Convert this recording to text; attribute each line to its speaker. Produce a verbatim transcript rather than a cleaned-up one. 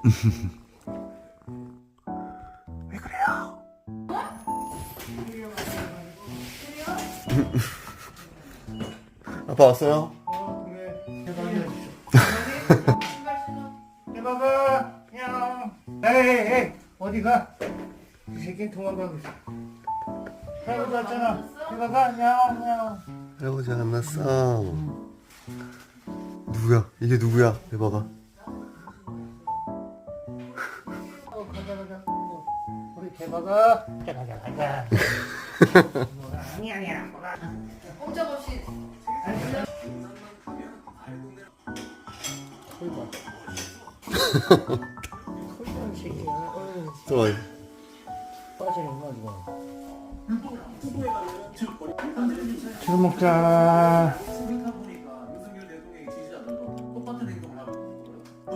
Speaker 1: 왜 그래요? 아빠 왔어요?
Speaker 2: 어, 그래. 해봐봐. 냥. 에이, 에이, 어디 가? 이 새끼는 도망가고 있어. 할아버지 왔잖아. 해봐봐. 냥, 냥.
Speaker 1: 할아버지 안 났어. 누구야? 이게 누구야? 해봐봐.
Speaker 2: 어, 가자, 가자. 어, 우리 개봐가. 가자, 가자, 가자. 뭐가 아니야, 아니야, 뭐가.
Speaker 3: 꼼짝없이
Speaker 2: 털봐. 털봐, 새끼야. 어휴,
Speaker 1: 잠깐만.
Speaker 2: 빠지는 거, 이거. 술 먹자.